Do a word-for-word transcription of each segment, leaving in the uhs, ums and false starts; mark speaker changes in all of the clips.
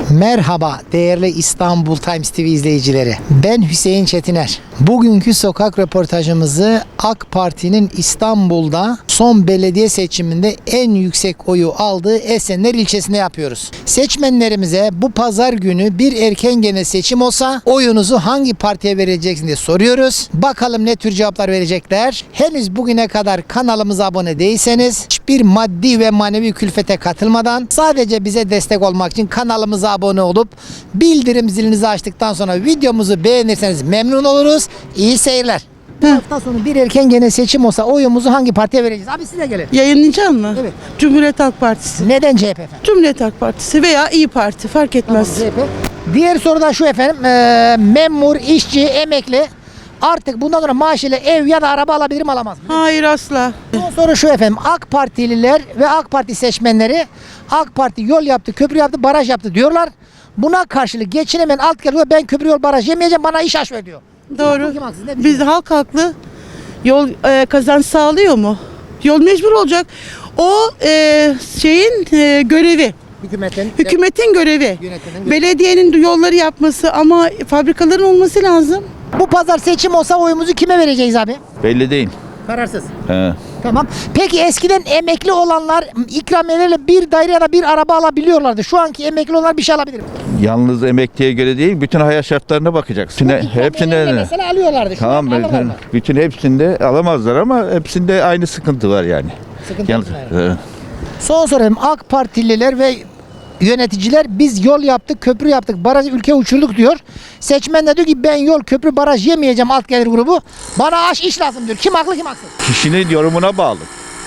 Speaker 1: Merhaba değerli İstanbul Times T V izleyicileri. Ben Hüseyin Çetiner. Bugünkü sokak röportajımızı AK Parti'nin İstanbul'da son belediye seçiminde en yüksek oyu aldığı Esenler ilçesinde yapıyoruz. Seçmenlerimize bu pazar günü bir erken gene seçim olsa oyunuzu hangi partiye vereceksiniz diye soruyoruz. Bakalım ne tür cevaplar verecekler. Henüz bugüne kadar kanalımıza abone değilseniz hiçbir maddi ve manevi külfete katılmadan sadece bize destek olmak için kanalımıza abone olup bildirim zilinizi açtıktan sonra videomuzu beğenirseniz memnun oluruz. İyi seyirler. Bu hafta sonu bir erken gene seçim olsa oyumuzu hangi partiye vereceğiz? Abi size gelin.
Speaker 2: Yayınlayacak mı?
Speaker 1: Evet.
Speaker 2: Cumhuriyet Halk Partisi.
Speaker 1: Neden C H P efendim?
Speaker 2: Cumhuriyet Halk Partisi veya İyi Parti fark etmez.
Speaker 1: Tamam, C H P. Diğer soru da şu efendim. Ee, memur, işçi, emekli artık bundan sonra maaşıyla ev ya da araba alabilir mi alamaz mı?
Speaker 2: Hayır asla.
Speaker 1: Son soru şu efendim. AK Partililer ve AK Parti seçmenleri AK Parti yol yaptı, köprü yaptı, baraj yaptı diyorlar. Buna karşılık geçinemeyen alt geliyor. Ben köprü yol baraj yemeyeceğim, bana iş aç ver diyor.
Speaker 2: Doğru.
Speaker 1: Kim haksız, ne
Speaker 2: Biz
Speaker 1: düşünüyorsun?
Speaker 2: halk haklı. Yol e, kazanç sağlıyor mu? Yol mecbur olacak. O e, şeyin e, görevi.
Speaker 1: Hükümetin,
Speaker 2: Hükümetin görevi.
Speaker 1: Yönetimin görevi.
Speaker 2: Belediyenin yolları yapması ama fabrikaların olması lazım.
Speaker 1: Bu pazar seçim olsa oyumuzu kime vereceğiz abi?
Speaker 3: Belli değil.
Speaker 1: Kararsız.
Speaker 3: He.
Speaker 1: Tamam. Peki eskiden emekli olanlar ikramiyelerle bir daire ya da bir araba alabiliyorlardı. Şu anki emekli olanlar bir şey alabilir mi?
Speaker 3: Yalnız emekliye göre değil, bütün hayat şartlarına bakacaksın.
Speaker 1: İkramiyelerle
Speaker 3: Hepsinde
Speaker 1: mesela alıyorlardı. Şu
Speaker 3: tamam,
Speaker 1: an
Speaker 3: bütün,
Speaker 1: alamazlar.
Speaker 3: bütün hepsinde alamazlar ama hepsinde aynı sıkıntı var yani.
Speaker 1: Sıkıntı
Speaker 3: Yalnız,
Speaker 1: yok yani.
Speaker 3: he.
Speaker 1: Son sorum, AK Partililer ve yöneticiler biz yol yaptık, köprü yaptık, barajı ülke uçurduk diyor. Seçmen de diyor ki ben yol, köprü, baraj yemeyeceğim alt gelir grubu. Bana aş iş lazım diyor. Kim haklı kim haksız?
Speaker 3: Kişinin yorumuna bağlı.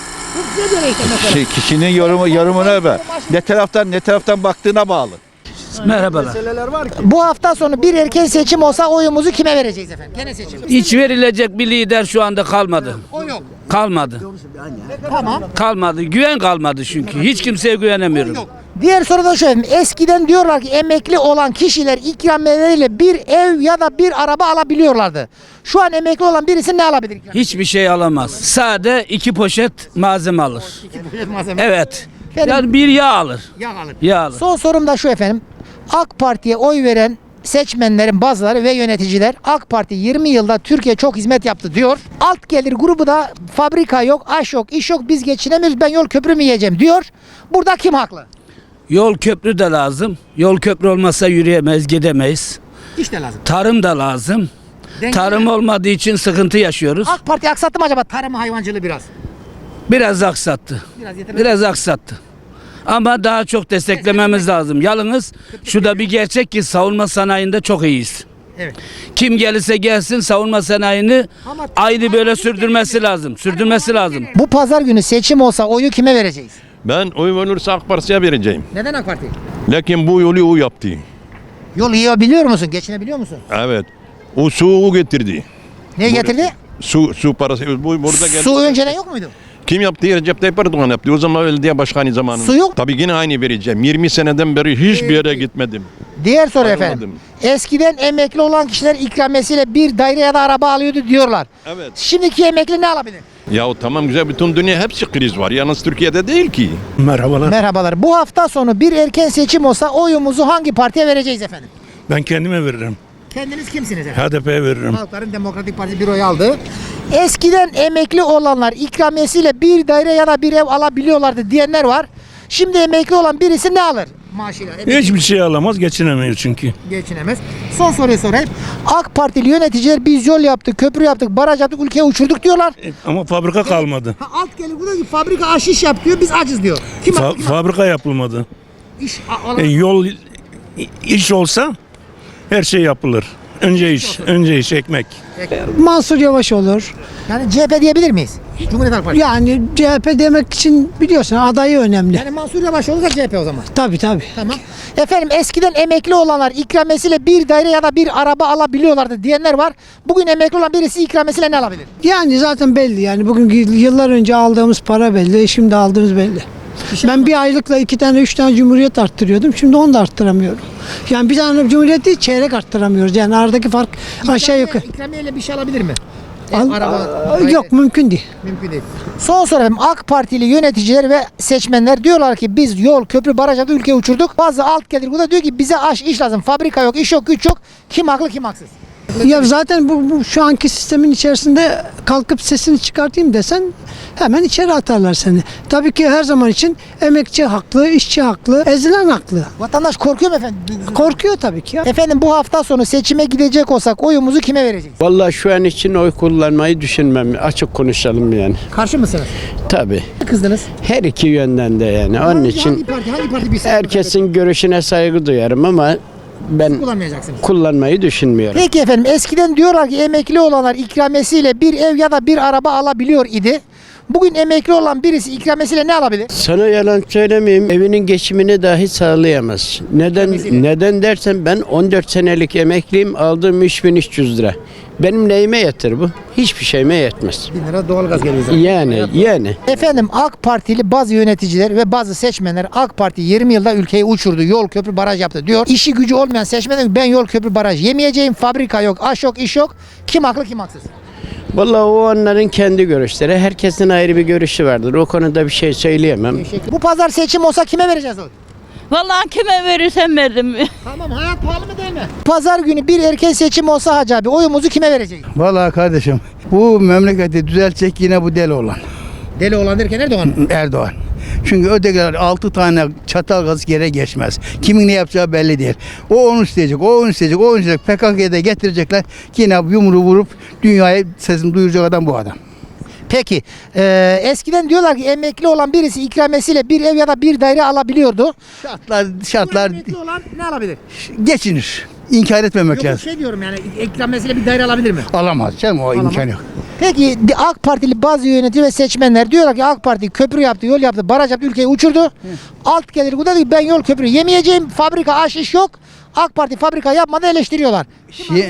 Speaker 1: Bu size göre işte mesela.
Speaker 3: Şey, kişinin yorumu yorumuna bağlı. Ne taraftan ne taraftan baktığına bağlı.
Speaker 4: Merhabalar.
Speaker 1: Bu hafta sonu bir erken seçim olsa oyumuzu kime vereceğiz efendim? Gene seçim.
Speaker 4: Hiç verilecek bir lider şu anda kalmadı.
Speaker 1: O yok.
Speaker 4: Kalmadı.
Speaker 1: Tamam.
Speaker 4: Kalmadı. Güven kalmadı çünkü. Hiç kimseye güvenemiyorum.
Speaker 1: Diğer soru da şu efendim. Eskiden diyorlar ki emekli olan kişiler ikramiyeleriyle bir ev ya da bir araba alabiliyorlardı. Şu an emekli olan birisi ne alabilir?
Speaker 4: Hiçbir şey alamaz. Sade iki poşet malzeme alır. Evet. Yani bir yağ alır.
Speaker 1: Yağ alır.
Speaker 4: Yağ alır.
Speaker 1: Son sorum da şu efendim. AK Parti'ye oy veren seçmenlerin bazıları ve yöneticiler AK Parti yirmi yılda Türkiye çok hizmet yaptı diyor. Alt gelir grubu da fabrika yok, aş yok, iş yok, biz geçinemiyoruz, ben yol köprü mü yiyeceğim diyor. Burada kim haklı?
Speaker 4: Yol köprü de lazım. Yol köprü olmazsa yürüyemeyiz, gidemeyiz.
Speaker 1: İş de lazım.
Speaker 4: Tarım da lazım.
Speaker 1: Denge
Speaker 4: Tarım olmadığı için sıkıntı yaşıyoruz.
Speaker 1: AK Parti aksattı mı acaba tarım hayvancılığı biraz?
Speaker 4: Biraz aksattı.
Speaker 1: Biraz yeterli.
Speaker 4: Biraz aksattı. Ama daha çok desteklememiz lazım. Yalnız şu da bir gerçek ki savunma sanayinde çok iyiyiz.
Speaker 1: Evet.
Speaker 4: Kim gelirse gelsin savunma sanayini
Speaker 1: Ama-
Speaker 4: ayrı böyle sürdürmesi lazım. Sürdürmesi lazım.
Speaker 1: Bu pazar günü seçim olsa oyu kime vereceğiz?
Speaker 5: Ben oyum olursa AK Parti'ye vereceğim.
Speaker 1: Neden AK Parti?
Speaker 5: Lakin bu yolu o yaptı.
Speaker 1: Yol yiyebiliyor musun? Geçinebiliyor musun?
Speaker 5: Evet. O suyu o getirdi.
Speaker 1: Ne getirdi?
Speaker 5: Su su parası bu burada geldi.
Speaker 1: Su önceden yok muydu?
Speaker 5: Kim yaptı? Recep Tayyip Erdoğan yaptı. O zaman belediye başkanı zamanında.
Speaker 1: Su yok.
Speaker 5: Tabii yine aynı vereceğim. yirmi seneden beri hiçbir yere gitmedim.
Speaker 1: Diğer soru
Speaker 5: Ayrılmadım.
Speaker 1: efendim. Eskiden emekli olan kişiler ikramiyesiyle bir daire ya da araba alıyordu diyorlar.
Speaker 5: Evet.
Speaker 1: Şimdiki emekli ne alabilir?
Speaker 5: Ya tamam güzel, bütün dünya hepsi kriz var. Yalnız Türkiye'de değil ki.
Speaker 6: Merhabalar.
Speaker 1: Merhabalar. Bu hafta sonu bir erken seçim olsa oyumuzu hangi partiye vereceğiz efendim?
Speaker 6: Ben kendime veririm.
Speaker 1: Kendiniz kimsiniz efendim?
Speaker 6: H D P'ye veririm.
Speaker 1: Halkların Demokratik Partisi bir oy aldı. Eskiden emekli olanlar ikramiyesiyle bir daire ya da bir ev alabiliyorlardı diyenler var. Şimdi emekli olan birisi ne alır maaşıyla? Emekli
Speaker 6: Hiçbir şey alamaz, geçinemiyor çünkü.
Speaker 1: geçinemez. Son soruyu sorayım. AK Partili yöneticiler biz yol yaptık, köprü yaptık, baraj yaptık, ülkeyi uçurduk diyorlar.
Speaker 6: E, Ama fabrika kalmadı.
Speaker 1: Ha, alt gelir diyor ki fabrika aşiş yap diyor, biz acız diyor. Kim
Speaker 6: Fa-
Speaker 1: haklı, kim haklı?
Speaker 6: fabrika yapılmadı.
Speaker 1: İş, a-
Speaker 6: E,
Speaker 1: alan-
Speaker 6: yol iş olsa her şey yapılır. Önce iş, önce iş, ekmek.
Speaker 7: Mansur Yavaş olur.
Speaker 1: Yani C H P diyebilir miyiz? Cumhuriyet Halk Partisi.
Speaker 7: Yani C H P demek için biliyorsun adayı önemli.
Speaker 1: Yani Mansur Yavaş olursa C H P o zaman.
Speaker 7: Tabii tabii.
Speaker 1: Tamam. Efendim eskiden emekli olanlar ikramiyesiyle bir daire ya da bir araba alabiliyorlardı diyenler var. Bugün emekli olan birisi ikramiyesiyle ne alabilir?
Speaker 7: Yani zaten belli yani bugün yıllar önce aldığımız para belli, şimdi aldığımız belli. Ben bir aylıkla iki tane, üç tane cumhuriyet arttırıyordum. Şimdi onu da arttıramıyorum. Yani bir tane cumhuriyet değil, çeyrek arttıramıyoruz. Yani aradaki fark aşağı yukarı.
Speaker 1: İkramiyeyle bir şey alabilir mi?
Speaker 7: Al-
Speaker 1: araba-
Speaker 7: Aa, yok mümkün değil.
Speaker 1: Mümkün değil. Son soru efendim. AK Partili yöneticiler ve seçmenler diyorlar ki biz yol, köprü, baraj yaptık, ülkeyi uçurduk. Bazı alt gelir burada diyor ki bize aş, iş lazım. Fabrika yok, iş yok, güç yok. Kim haklı, kim haksız?
Speaker 7: Ya zaten bu, bu şu anki sistemin içerisinde kalkıp sesini çıkartayım desen hemen içeri atarlar seni. Tabii ki her zaman için emekçi haklı, işçi haklı, ezilen haklı.
Speaker 1: Vatandaş korkuyor mu efendim?
Speaker 7: Korkuyor tabii ki ya.
Speaker 1: Efendim bu hafta sonu seçime gidecek olsak oyumuzu kime vereceğiz?
Speaker 8: Vallahi şu an için oy kullanmayı düşünmem. Açık konuşalım yani.
Speaker 1: Karşı mısınız?
Speaker 8: Tabii.
Speaker 1: Kızdınız.
Speaker 8: Her iki yönden de yani. Onun
Speaker 1: Hangi-
Speaker 8: için
Speaker 1: hangi parti, hangi parti bir seçim
Speaker 8: herkesin görüşüne saygı duyarım ama ben
Speaker 1: kullanmayacaksınız?
Speaker 8: kullanmayı düşünmüyorum.
Speaker 1: Peki efendim eskiden diyorlar ki emekli olanlar ikramiyesiyle bir ev ya da bir araba alabiliyor idi. Bugün emekli olan birisi ikramiyesiyle ne alabilir?
Speaker 8: Sana yalan söylemeyeyim. Evinin geçimini dahi sağlayamaz. Neden neden dersen ben on dört senelik emekliyim. Aldığım üç bin üç yüz lira. Benim neyime yeter bu? Hiçbir şeyime yetmez.
Speaker 1: bin lira doğalgaz geliyor zaten.
Speaker 8: Yani yani.
Speaker 1: Efendim AK Partili bazı yöneticiler ve bazı seçmenler AK Parti yirmi yılda ülkeyi uçurdu. Yol, köprü, baraj yaptı diyor. İşi gücü olmayan seçmenler ben yol, köprü, baraj yemeyeceğim. Fabrika yok, aş yok, iş yok. Kim haklı, kim haksız?
Speaker 8: Vallahi o onların kendi görüşleri. Herkesin ayrı bir görüşü vardır. O konuda bir şey söyleyemem.
Speaker 1: Bu pazar seçim olsa kime vereceğiz oy?
Speaker 9: Vallahi kime verirsem veririm.
Speaker 1: Tamam, hayat pahalı mı değil mi? Pazar günü bir erken seçim olsa Hacı abi oyumuzu kime vereceğiz?
Speaker 10: Vallahi kardeşim bu memleketi düzeltecek yine bu deli olan
Speaker 1: Deli olan derken Erdoğan.
Speaker 10: Erdoğan. Çünkü ötekiler altı tane çatal gazı yere geçmez. Kimin ne yapacağı belli değil. O onu isteyecek, o onu isteyecek, o onu isteyecek. P K K'ya da getirecekler. Yine yumruğu vurup dünyaya sesini duyuracak adam bu adam.
Speaker 1: Peki e, eskiden diyorlar ki emekli olan birisi ikramiyesiyle bir ev ya da bir daire alabiliyordu.
Speaker 10: Şartlar şartlar
Speaker 1: Emekli olan ne alabilir?
Speaker 10: geçinir. İnkar etmemek
Speaker 1: Yok,
Speaker 10: lazım.
Speaker 1: şey diyorum yani ikramiyesiyle bir daire alabilir mi?
Speaker 10: Alamaz canım o
Speaker 1: Alamaz.
Speaker 10: imkan yok.
Speaker 1: Peki AK Partili bazı yönetici ve seçmenler diyorlar ki AK Parti köprü yaptı, yol yaptı, baraj yaptı, ülkeyi uçurdu. Alt gelir bu da diyor ki ben yol köprü yemeyeceğim, fabrika aş iş yok. AK Parti fabrika yapmadı eleştiriyorlar.
Speaker 10: Şi-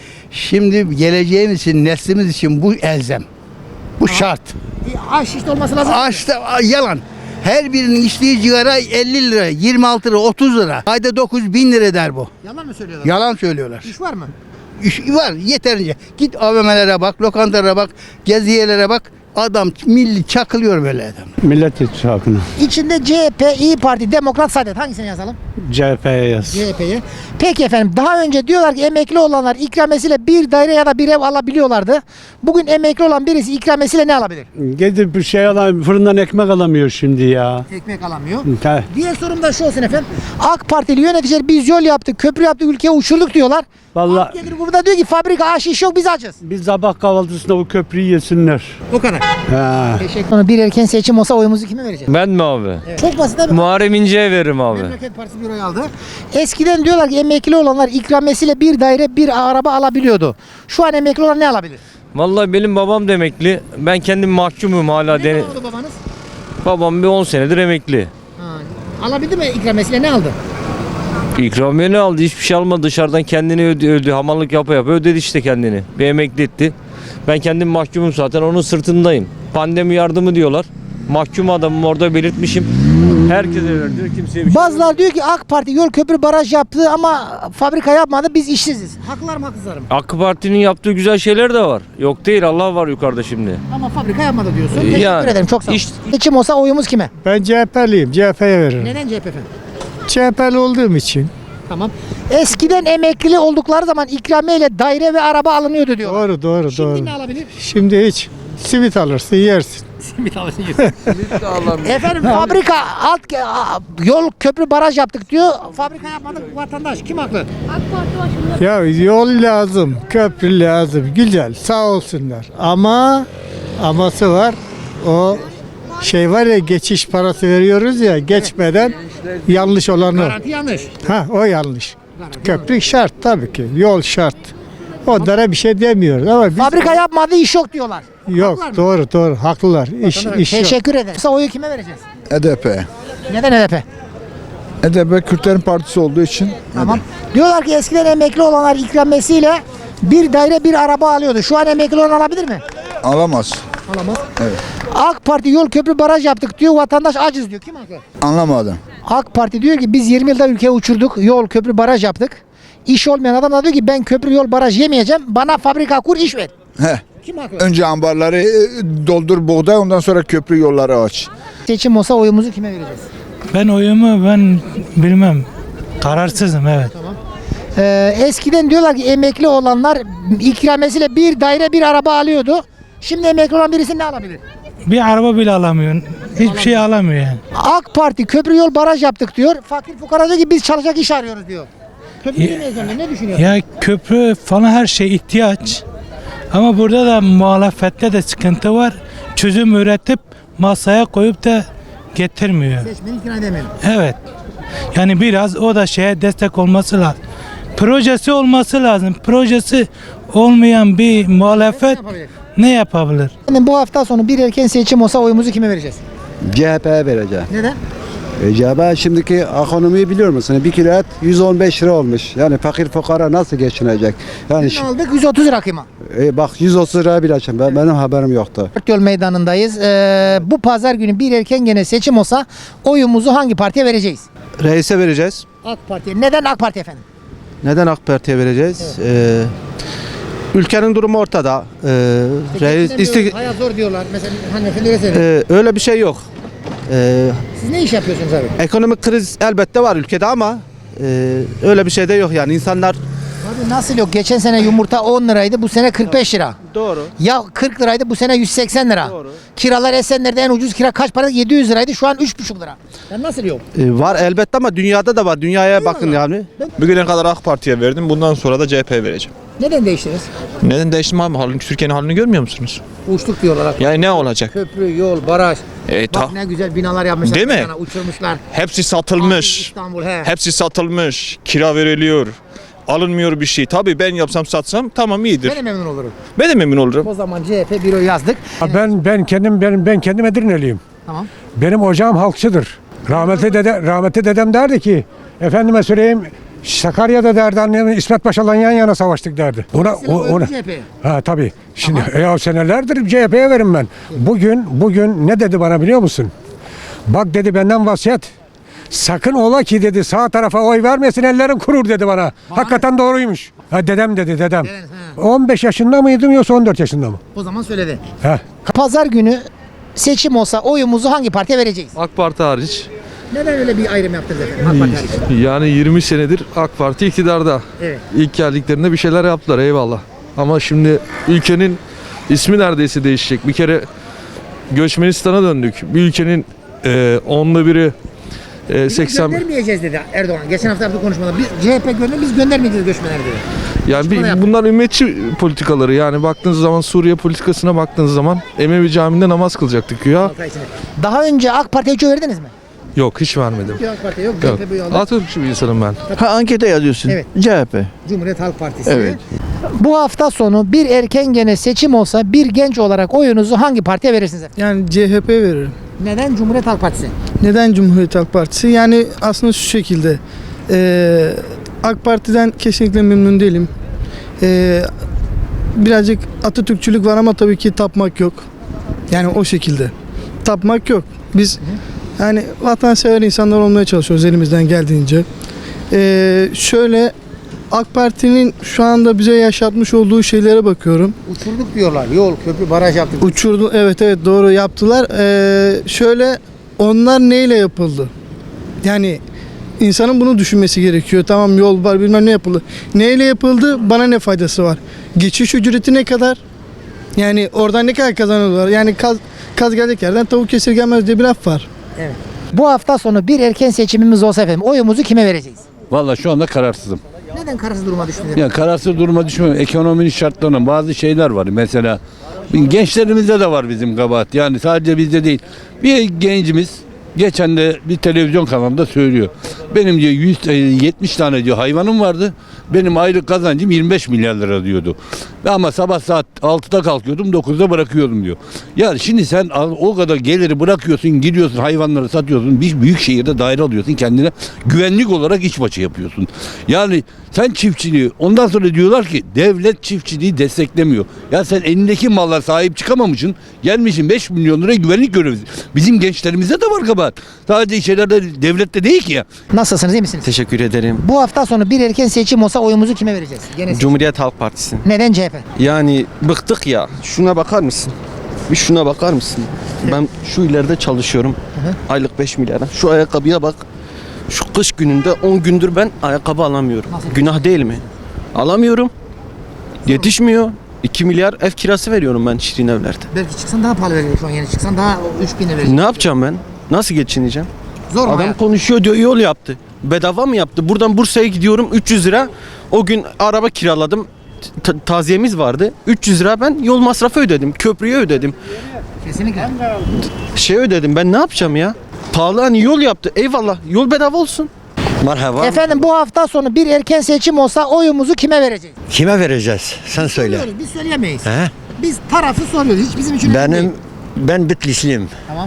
Speaker 10: Şimdi geleceğimiz için, neslimiz için bu elzem. Bu şart.
Speaker 1: Aş iş olması lazım.
Speaker 10: Açta yalan. Her birinin içtiği sigara elli lira, yirmi altı lira, otuz lira. Ayda dokuz bin lira der bu.
Speaker 1: Yalan mı söylüyorlar?
Speaker 10: Yalan söylüyorlar.
Speaker 1: İş var mı?
Speaker 10: İş var yeterince. Git A V M'lere bak, lokantalara bak, gezi yerlere bak. Adam milli çakılıyor böyle adam.
Speaker 6: Millet İttifakı'na.
Speaker 1: İçinde C H P, İyi Parti, Demokrat, Saadet hangisini yazalım?
Speaker 6: C H P'ye yaz.
Speaker 1: C H P'ye. Peki efendim daha önce diyorlar ki emekli olanlar ikramiyesiyle bir daire ya da bir ev alabiliyorlardı. Bugün emekli olan birisi ikramiyesiyle ne alabilir?
Speaker 6: Gidip bir şey alan fırından ekmek alamıyor şimdi ya.
Speaker 1: Ekmek alamıyor.
Speaker 6: Ha.
Speaker 1: Diğer sorum da şu olsun efendim. AK Partili yöneticiler biz yol yaptık, köprü yaptık, ülkeyi uçurduk diyorlar.
Speaker 6: Vallahi
Speaker 1: Alt gelir burada diyor ki fabrika aş iş yok biz açız.
Speaker 6: biz sabah kahvaltısında bu köprüyü yesinler.
Speaker 1: O kadar.
Speaker 6: Ha.
Speaker 1: Teşekkür ederim. Bir erken seçim olsa oyumuzu kime vereceğiz?
Speaker 11: Ben mi abi?
Speaker 1: Evet. Çok basit abi.
Speaker 11: Muharrem İnce'ye veririm abi.
Speaker 1: Memleket Partisi bir oy aldı. Eskiden diyorlar ki emekli olanlar ikramiyesiyle bir daire bir araba alabiliyordu. Şu an emekli olan ne alabilir?
Speaker 11: Vallahi benim babam da emekli. Ben kendim mahkumum hala.
Speaker 1: Ne
Speaker 11: Dene...
Speaker 1: aldı babanız?
Speaker 11: Babam bir on senedir emekli.
Speaker 1: Ha, alabildi mi ikramiyesiyle ne aldı?
Speaker 11: İkramiye ne aldı? Hiçbir şey almadı. Dışarıdan kendini ödü, ödü. Hamallık yapa yapa ödedi işte kendini. Bir emekli etti. Ben kendim mahkumum zaten. Onun sırtındayım. Pandemi yardımı diyorlar. Mahkum adamım orada belirtmişim. Herkese verdi. Kimseye bir şey
Speaker 1: Bazılar diyor ki AK Parti yol köprü baraj yaptı ama fabrika yapmadı biz işsiziz. Haklılar mı haksızlar mı?
Speaker 11: AK Parti'nin yaptığı güzel şeyler de var. Yok değil, Allah var yukarıda şimdi.
Speaker 1: Ama fabrika yapmadı diyorsun.
Speaker 11: Ee,
Speaker 1: Teşekkür
Speaker 11: yani,
Speaker 1: ederim çok sağ ol.
Speaker 11: iş-
Speaker 1: Seçim olsa oyumuz kime?
Speaker 6: Ben C H P'liyim. C H P'ye veririm.
Speaker 1: Neden C H P efendim?
Speaker 6: C H P'li olduğum için.
Speaker 1: Tamam. Eskiden emekli oldukları zaman ikramiyeyle daire ve araba alınıyordu diyorlar.
Speaker 6: Doğru doğru
Speaker 1: Şimdi
Speaker 6: doğru.
Speaker 1: ne alabilir?
Speaker 6: Şimdi hiç simit alırsın yersin.
Speaker 1: Simit alırsın. Efendim fabrika alt ge- a- yol köprü baraj yaptık diyor. Fabrika yapmadık vatandaş. Kim haklı?
Speaker 6: Ya yol lazım, köprü lazım. Güzel sağ olsunlar. Ama aması var. O şey var ya geçiş parası veriyoruz ya geçmeden yanlış olan o.
Speaker 1: Garanti yanlış.
Speaker 6: Ha o yanlış. Köprü şart tabii ki. Yol şart. Onlara bir şey demiyoruz ama biz
Speaker 1: Fabrika yapmadı iş yok diyorlar.
Speaker 6: yok
Speaker 1: Haklılar mı?
Speaker 6: doğru doğru haklılar. İş, iş yok.
Speaker 1: Teşekkür ederim. Kısa oyu kime vereceğiz?
Speaker 3: H D P.
Speaker 1: Neden H D P?
Speaker 3: H D P Kürtlerin partisi olduğu için.
Speaker 1: Tamam. Diyorlar ki eskiden emekli olanlar ikramiyesiyle bir daire bir araba alıyordu. Şu an emekli olan alabilir mi?
Speaker 3: Alamaz.
Speaker 1: Alamaz.
Speaker 3: Evet.
Speaker 1: AK Parti yol köprü baraj yaptık diyor. Vatandaş aciz diyor. Kim haklı?
Speaker 3: Anlamadım.
Speaker 1: AK Parti diyor ki biz yirmi yılda ülkeyi uçurduk. Yol köprü baraj yaptık. İş olmayan adam da diyor ki ben köprü yol baraj yemeyeceğim. Bana fabrika kur iş ver.
Speaker 3: He.
Speaker 1: Kim haklı?
Speaker 3: Önce ambarları e, doldur buğday, ondan sonra köprü yolları aç.
Speaker 1: Seçim olsa oyumuzu kime vereceğiz?
Speaker 12: Ben oyumu ben bilmem. Kararsızım evet.
Speaker 1: Ee, eskiden diyorlar ki emekli olanlar ikramiyesiyle bir daire bir araba alıyordu. Şimdi emekli olan birisi ne alabilir?
Speaker 12: Bir araba bile alamıyor. Hiçbir şey alamıyor yani.
Speaker 1: AK Parti köprü yol baraj yaptık diyor. Fakir fukara diyor ki biz çalışacak iş arıyoruz diyor. Köprü
Speaker 12: Ya-
Speaker 1: değil mi? Ne düşünüyorsun?
Speaker 12: Ya köprü falan her şey ihtiyaç. Ama burada da muhalefette de sıkıntı var. Çözüm üretip masaya koyup da getirmiyor.
Speaker 1: Seçmeni ikna edemiyorum.
Speaker 12: Evet. Yani biraz o da şeye destek olması lazım. Projesi olması lazım. Projesi olmayan bir muhalefet ne yapabilir?
Speaker 1: Yani bu hafta sonu bir erken seçim olsa oyumuzu kime vereceğiz?
Speaker 13: C H P'ye vereceğim.
Speaker 1: Neden?
Speaker 13: E, C H P şimdiki ekonomiyi biliyor musun? Bir kilo et yüz on beş lira olmuş. Yani fakir fukara nasıl geçinecek? Yani
Speaker 1: Biz aldık yüz otuz lira kıyma.
Speaker 13: e, bak yüz otuz liraya bile açın. Ben, benim haberim yoktu.
Speaker 1: Dört Yol Meydanı'ndayız. Ee, bu pazar günü bir erken gene seçim olsa oyumuzu hangi partiye vereceğiz?
Speaker 14: Reis'e vereceğiz.
Speaker 1: AK Parti'ye. Neden AK Parti efendim?
Speaker 14: Neden AK Parti'ye vereceğiz? Ee, ülkenin durumu ortada. Ee, reis isti-
Speaker 1: Hayat zor diyorlar. Mesela hanımefendi öyle söylüyor.
Speaker 14: Ee, öyle bir şey yok. Ee,
Speaker 1: Siz ne iş yapıyorsunuz abi?
Speaker 14: ekonomik kriz elbette var ülkede ama e, öyle bir şey de yok yani insanlar.
Speaker 1: Abi nasıl yok? Geçen sene yumurta on liraydı, bu sene kırk beş lira.
Speaker 14: Doğru.
Speaker 1: Ya kırk liraydı, bu sene yüz seksen lira.
Speaker 14: Doğru.
Speaker 1: Kiralar Esenler'de en ucuz kira kaç para? yedi yüz liraydı, şu an üç buçuk lira. Ya nasıl yok?
Speaker 14: Ee, var elbette ama dünyada da var. Dünyaya bakın yani.
Speaker 5: Bugüne kadar AK Parti'ye verdim. Bundan sonra da C H P'ye vereceğim.
Speaker 1: Neden değiştiniz?
Speaker 5: Neden değiştim abi? Halini, Türkiye'nin halini görmüyor musunuz?
Speaker 1: Uçtuk diyorlar.
Speaker 5: Yani ne olacak?
Speaker 1: Köprü, yol, baraj.
Speaker 5: E, ta-
Speaker 1: Bak ne güzel binalar yapmışlar.
Speaker 5: Değil mi?
Speaker 1: Sana, uçurmuşlar.
Speaker 5: Hepsi
Speaker 1: Abi,
Speaker 5: satılmış.
Speaker 1: İstanbul he.
Speaker 5: Hepsi satılmış. Kira veriliyor. Alınmıyor bir şey. Tabii ben yapsam satsam tamam iyidir.
Speaker 1: Ben de memnun olurum.
Speaker 5: Ben de memnun olurum.
Speaker 1: O zaman C H P büro yazdık.
Speaker 6: Ben ben kendim ben ben kendim Edirneliyim.
Speaker 1: Tamam.
Speaker 6: Benim ocağım halkçıdır. Rahmetli dede rahmetli dedem derdi ki efendime söyleyeyim Sakarya'da derdi annemin İsmet Paşa'la yan yana savaştık derdi. Ona
Speaker 1: Mesela
Speaker 6: o-
Speaker 1: oyun
Speaker 6: ona
Speaker 1: C H P'ye.
Speaker 6: ha tabii. Şimdi ya senelerdir C H P'ye verim ben. Bugün bugün ne dedi bana biliyor musun? Bak dedi benden vasiyet. Sakın ola ki dedi sağ tarafa oy vermesin ellerim kurur dedi bana. Hakikaten doğruymuş. Ha, dedem dedi dedem. on beş yaşında mıydım yoksa on dört yaşında mı?
Speaker 1: O zaman söyledi.
Speaker 6: He.
Speaker 1: Pazar günü seçim olsa oyumuzu hangi partiye vereceğiz?
Speaker 15: AK Parti hariç.
Speaker 1: Neden öyle bir ayrım yaptınız efendim? AK Parti hariç.
Speaker 15: Yani yirmi senedir AK Parti iktidarda.
Speaker 1: Evet.
Speaker 15: İlk geldiklerinde bir şeyler yaptılar eyvallah. Ama şimdi ülkenin ismi neredeyse değişecek. Bir kere Göçmenistan'a döndük. Bir ülkenin e, onlu biri e,
Speaker 1: Biz
Speaker 15: seksen...
Speaker 1: göndermeyeceğiz dedi Erdoğan. Geçen hafta yaptığı konuşmada. Biz C H P gönder, biz göndermeyeceğiz göçmenleri dedi.
Speaker 15: Yani
Speaker 1: Açıklama yaptı.
Speaker 15: bir, bunlar ümmetçi politikaları. Yani baktığınız zaman Suriye politikasına baktığınız zaman Emevi Camii'nde namaz kılacaktık ya.
Speaker 1: Daha önce AK Parti'ye hiç oy verdiniz mi?
Speaker 15: Yok hiç vermedim.
Speaker 1: Yok AK Parti yok.
Speaker 15: Yok.
Speaker 1: C H P bu yolda.
Speaker 15: Atatürkçü bir insanım ben.
Speaker 10: Ha ankete yazıyorsun.
Speaker 1: Evet.
Speaker 10: C H P.
Speaker 1: Cumhuriyet Halk Partisi.
Speaker 10: Evet.
Speaker 1: Bu hafta sonu bir erken gene seçim olsa bir genç olarak oyunuzu hangi partiye verirsiniz efendim?
Speaker 10: Yani C H P veririm.
Speaker 1: Neden Cumhuriyet Halk Partisi?
Speaker 10: Neden Cumhuriyet Halk Partisi? Yani aslında şu şekilde. eee, AK Parti'den kesinlikle memnun değilim. Eee, birazcık Atatürkçülük var ama tabii ki tapmak yok. Yani o şekilde. Tapmak yok. Biz yani vatansever insanlar olmaya çalışıyoruz elimizden geldiğince. Eee, şöyle AK Parti'nin şu anda bize yaşatmış olduğu şeylere bakıyorum.
Speaker 1: Uçurduk diyorlar. Yol, köprü, baraj yaptık.
Speaker 10: Uçurdu, evet evet doğru yaptılar. Ee, şöyle onlar neyle yapıldı? Yani insanın bunu düşünmesi gerekiyor. Tamam yol var bilmem ne yapıldı. Neyle yapıldı? Bana ne faydası var? Geçiş ücreti ne kadar? Yani oradan ne kadar kazanıyorlar? Yani kaz, kaz gelecek yerden tavuk kesirgenmez diye bir laf var.
Speaker 1: Evet. Bu hafta sonu bir erken seçimimiz olsa efendim oyumuzu kime vereceğiz?
Speaker 16: Vallahi şu anda kararsızım.
Speaker 1: Neden kararsız duruma düştünüz?
Speaker 16: Ya kararsız duruma düşmüyorum. Ekonominin şartlarının bazı şeyler var. Mesela gençlerimizde de var bizim kabahat. Yani sadece bizde değil. Bir gencimiz geçen de bir televizyon kanalında söylüyor. Benim diyor yüz yetmiş tane diyor hayvanım vardı. Benim aylık kazancım yirmi beş milyar lira diyordu. Ama sabah saat altıda kalkıyordum, dokuzda bırakıyordum diyor. Ya şimdi sen o kadar geliri bırakıyorsun, gidiyorsun hayvanları satıyorsun. Bir büyük şehirde daire alıyorsun kendine. Güvenlik olarak işbaşı yapıyorsun. Yani sen çiftçiliği ondan sonra diyorlar ki devlet çiftçiliği desteklemiyor. Ya sen elindeki malla sahip çıkamamışsın. Gelmişsin beş milyon lira güvenlik görevlisi. Bizim gençlerimizde de var kabahat. Sadece şeylerde devlette değil ki ya.
Speaker 1: Nasılsınız, iyi misiniz?
Speaker 17: Teşekkür ederim.
Speaker 1: Bu hafta sonu bir erken seçim olsa oyumuzu kime vereceğiz? Gene seçim.
Speaker 17: Cumhuriyet Halk Partisi.
Speaker 1: Neden C H P?
Speaker 17: Yani bıktık ya. Şuna bakar mısın? Bir şuna bakar mısın? Ben şu ileride çalışıyorum.
Speaker 1: hı.
Speaker 17: Aylık beş milyara. Şu ayakkabıya bak. Şu kış gününde on gündür ben ayakkabı alamıyorum.
Speaker 1: Nasıl?
Speaker 17: Günah değil mi? Alamıyorum. Yetişmiyor. iki milyar ev kirası veriyorum ben Şirin Evler'de.
Speaker 1: Belki çıksan daha pahalı verecek şu an, yeni çıksan daha üç bin verecek.
Speaker 17: Ne yapacağım ben? Nasıl geçineceğim?
Speaker 1: Zor mu
Speaker 17: Adam
Speaker 1: hayat?
Speaker 17: konuşuyor diyor yol yaptı. Bedava mı yaptı? Buradan Bursa'ya gidiyorum üç yüz lira. O gün araba kiraladım. Ta- taziyemiz vardı. üç yüz lira ben yol masrafı ödedim. Köprüye ödedim.
Speaker 1: Kesinlikle.
Speaker 17: Şey ödedim. Ben ne yapacağım ya? Pahalı hani yol yaptı. Eyvallah. Yol bedava olsun.
Speaker 18: Merhaba.
Speaker 1: Efendim bu hafta sonu bir erken seçim olsa oyumuzu kime vereceğiz?
Speaker 18: Kime vereceğiz? Sen söyle.
Speaker 1: Soruyoruz, biz söyleyemeyiz.
Speaker 18: He?
Speaker 1: Biz tarafı soruyoruz. Hiç bizim için önemli
Speaker 18: Benim
Speaker 1: değil.
Speaker 18: ben Bitlisliyim.
Speaker 1: Tamam.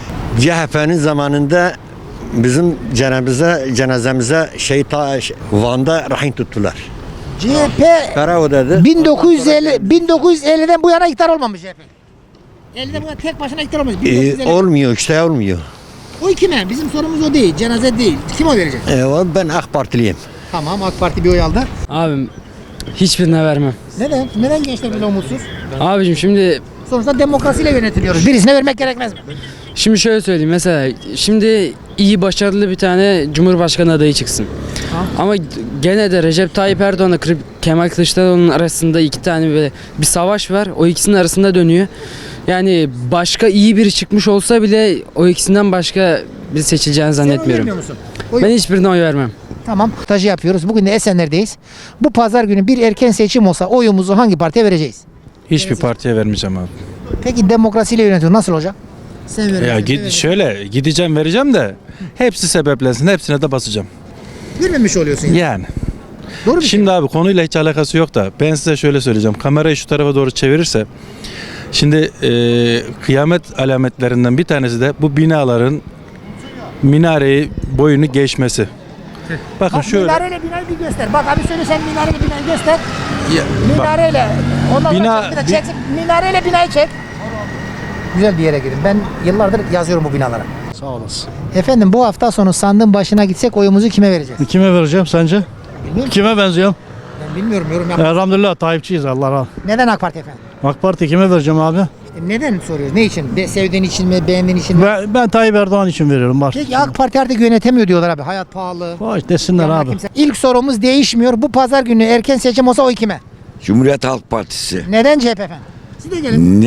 Speaker 18: C H P'nin zamanında bizim cenazemize cenazemize şey ta Van'da rehin tuttular.
Speaker 1: C H P
Speaker 18: Karaoda'da.
Speaker 1: bin dokuz yüz elli bin dokuz yüz elliden bu yana iktidar olmamış C H P. ellide bu yana tek başına iktidar olmamış. bin dokuz yüz elli.
Speaker 18: Ee, olmuyor işte olmuyor.
Speaker 1: O kime? Bizim sorumuz o değil. Cenaze değil. Kim oy verecek?
Speaker 18: Ee, ben AK Partiliyim.
Speaker 1: Tamam, AK Parti bir oy aldı.
Speaker 19: Abim hiçbirine vermem.
Speaker 1: Neden? Neden gençler böyle umutsuz?
Speaker 19: Abicim şimdi
Speaker 1: Sonuçta demokrasiyle yönetiliyoruz. Birisine vermek gerekmez mi?
Speaker 19: şimdi şöyle söyleyeyim mesela şimdi iyi başarılı bir tane Cumhurbaşkanı adayı çıksın. Ama gene de Recep Tayyip Erdoğan'la Kır- Kemal Kılıçdaroğlu'nun arasında iki tane böyle bir savaş var. O ikisinin arasında dönüyor. Yani başka iyi biri çıkmış olsa bile o ikisinden başka biri seçileceğini zannetmiyorum.
Speaker 1: vermiyor musun? Oy-
Speaker 19: Ben hiçbirine oy vermem.
Speaker 1: Tamam. Röportajı yapıyoruz. Bugün de Esenler'deyiz. Bu pazar günü bir erken seçim olsa oyumuzu hangi partiye vereceğiz?
Speaker 20: Hiçbir partiye vermeyeceğim abi.
Speaker 1: Peki demokrasiyle yönetiyor. Nasıl olacak? Sen vereceksin.
Speaker 20: Ya
Speaker 1: sen
Speaker 20: git
Speaker 1: vereceksin.
Speaker 20: şöyle gideceğim vereceğim de hepsi sebeplensin. Hepsine de basacağım.
Speaker 1: Vermemiş oluyorsun. Yani.
Speaker 20: Yani.
Speaker 1: Doğru bir şey.
Speaker 20: Şimdi abi konuyla hiç alakası yok da ben size şöyle söyleyeceğim. Kamerayı şu tarafa doğru çevirirse şimdi e, kıyamet alametlerinden bir tanesi de bu binaların minareyi boyunu geçmesi. Bakın
Speaker 1: Bak,
Speaker 20: şöyle.
Speaker 1: minareyle binayı bir göster. Bak abi söyle, sen minareyle binayı göster.
Speaker 20: Ya, bak,
Speaker 1: Minareyle. Ondan
Speaker 20: Bina-
Speaker 1: sonra çek, bir de çek, minareyle binayı çek. Güzel bir yere girin. Ben yıllardır yazıyorum bu binalara.
Speaker 21: Sağ olasın.
Speaker 1: Efendim bu hafta sonu sandığın başına gitsek oyumuzu kime vereceğiz?
Speaker 21: Kime vereceğim sence?
Speaker 1: Bilmiyorum.
Speaker 21: Kime benziyorum?
Speaker 1: Ben bilmiyorum, yorum yapma.
Speaker 21: Elhamdülillah Tayyipçiyiz Allah razı.
Speaker 1: Neden AK Parti efendim?
Speaker 21: AK Parti kime vereceğim abi?
Speaker 1: İşte neden soruyoruz? Ne için? Be, sevdiğin için mi? Beğendiğin için mi?
Speaker 21: Ben, ben Tayyip Erdoğan için veriyorum. Bak.
Speaker 1: Peki AK Parti artık yönetemiyor diyorlar abi. Hayat pahalı.
Speaker 21: Vay desinler
Speaker 1: Yanına
Speaker 21: abi.
Speaker 1: kimse- İlk sorumuz değişmiyor. Bu pazar günü erken seçim olsa oy kime?
Speaker 22: Cumhuriyet Halk Partisi.
Speaker 1: Neden C H P efendim? Siz de gelin.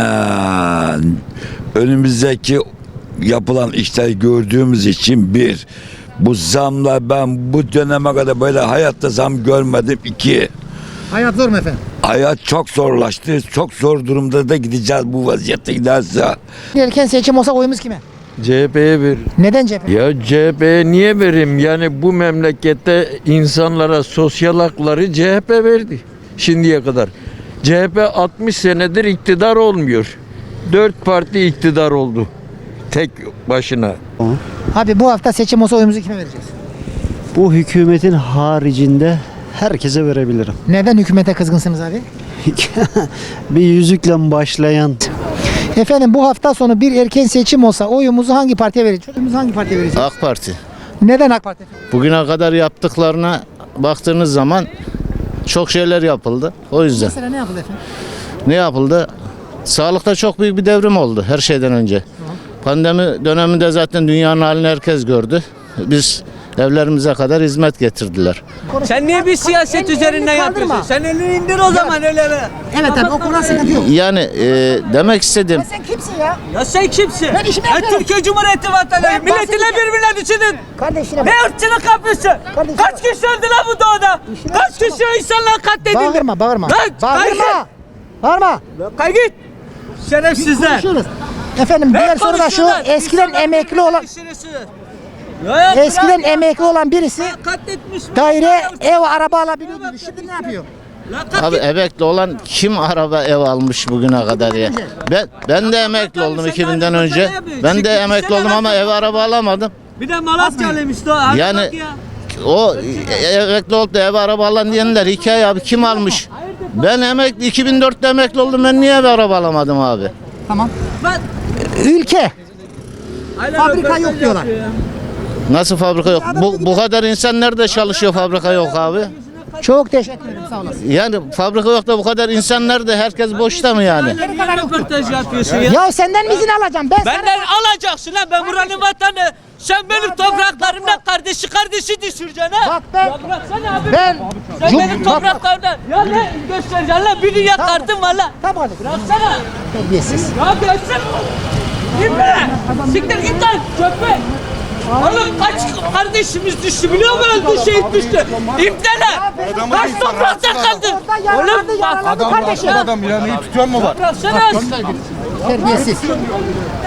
Speaker 22: Neden? Önümüzdeki yapılan işleri gördüğümüz için bir, bu zamla ben bu döneme kadar böyle hayatta zam görmedim. İki,
Speaker 1: Hayat zor mu efendim?
Speaker 22: hayat çok zorlaştı. Çok zor durumda da gideceğiz bu vaziyette giderse.
Speaker 1: Erken seçim olsa oyumuz kime?
Speaker 23: C H P'ye ver.
Speaker 1: Neden C H P?
Speaker 23: Ya C H P'ye niye vereyim? Yani bu memlekette insanlara sosyal hakları C H P verdi şimdiye kadar. C H P altmış senedir iktidar olmuyor. Dört parti iktidar oldu. Tek başına.
Speaker 1: Abi bu hafta seçim olsa oyumuzu kime vereceğiz?
Speaker 24: Bu hükümetin haricinde herkese verebilirim.
Speaker 1: Neden hükümete kızgınsınız abi?
Speaker 24: Bir yüzükle başlayan
Speaker 1: Efendim bu hafta sonu bir erken seçim olsa oyumuzu hangi partiye vereceğiz? Oyumuzu hangi partiye vereceğiz?
Speaker 25: AK Parti.
Speaker 1: Neden AK Parti?
Speaker 25: Bugüne kadar yaptıklarına baktığınız zaman çok şeyler yapıldı. O yüzden.
Speaker 1: Mesela ne yapıldı efendim?
Speaker 25: Ne yapıldı? Sağlıkta çok büyük bir devrim oldu her şeyden önce. Pandemi döneminde zaten dünyanın halini herkes gördü. Biz evlerimize kadar hizmet getirdiler.
Speaker 26: Sen niye bir siyaset üzerinden yapıyorsun? Sen elini indir o zaman elini.
Speaker 1: Evet abi, o konuda sıkıntı yok.
Speaker 25: Yani e, demek istedim.
Speaker 1: Sen kimsin ya?
Speaker 26: Ya sen kimsin?
Speaker 1: Ben işimi
Speaker 26: Ben
Speaker 1: yapıyorum.
Speaker 26: Türkiye Cumhuriyeti vatandaşıyım.
Speaker 1: Ben
Speaker 26: Milletine
Speaker 1: bahsedeceğim.
Speaker 26: birbirine düşünün.
Speaker 1: Kardeşine
Speaker 26: Ne ırkçılık yapıyorsun? Kaç kişi öldü lan bu doğada? Kaç kişi insanlar katledildi?
Speaker 1: Bağırma bağırma.
Speaker 26: Lan
Speaker 1: Bağırma. Bağırma.
Speaker 26: Kay git. Şerefsizler.
Speaker 1: Konuşuyoruz. Efendim diğer soru da şu. Eskiden emekli olan Eskiden emekli olan birisi daire, ev, araba alabiliyordu. Şimdi ne yapıyor?
Speaker 25: Abi emekli olan kim araba ev almış bugüne kadar ya? Ben ben de emekli oldum iki binden önce. Ben de emekli oldum ama ev araba alamadım.
Speaker 26: Bir de Malatyalıymış da.
Speaker 25: Yani o emekli olup da ev araba alan diyenler hikaye abi, kim almış? Ben emekli iki bin dörtte emekli oldum, ben niye ev araba alamadım abi?
Speaker 1: Tamam. Ülke. Fabrika yok diyorlar.
Speaker 25: Nasıl fabrika yok? Bu, bu kadar insan nerede çalışıyor fabrika yok abi?
Speaker 1: Çok teşekkür ederim. Sağ olasın.
Speaker 25: Yani fabrika yok da bu kadar insan nerede? Herkes boşta mı yani?
Speaker 26: Röportaj yapıyorsun ya.
Speaker 1: Ya senden mi izin alacağım? Ben
Speaker 26: Benden alacaksın ha. Ben buranın vatanı. Sen benim topraklarımdan kardeşi kardeşi düşüreceksin ha.
Speaker 1: Bak ben-
Speaker 26: Ya bıraksana abi.
Speaker 1: ben-
Speaker 26: Sen
Speaker 1: Cum-
Speaker 26: benim
Speaker 1: bak-
Speaker 26: topraklarımdan. Ya ne göstereceksin lan? Biri yakardım valla.
Speaker 1: Tamam.
Speaker 26: Bıraksana.
Speaker 1: Terbiyesiz.
Speaker 26: Ya gelsin. Git be. Siktir git lan köpek. Oğlum kaç kardeşimiz düştü biliyor musun? Öldü şehit düştü. İpteler. Kaç toprakta kaldı. Oğlum bak.
Speaker 1: Adam kardeşim.
Speaker 26: Adam ya. Neyi tutuyor mu var? Bıraksana.
Speaker 1: Terbiyesiz.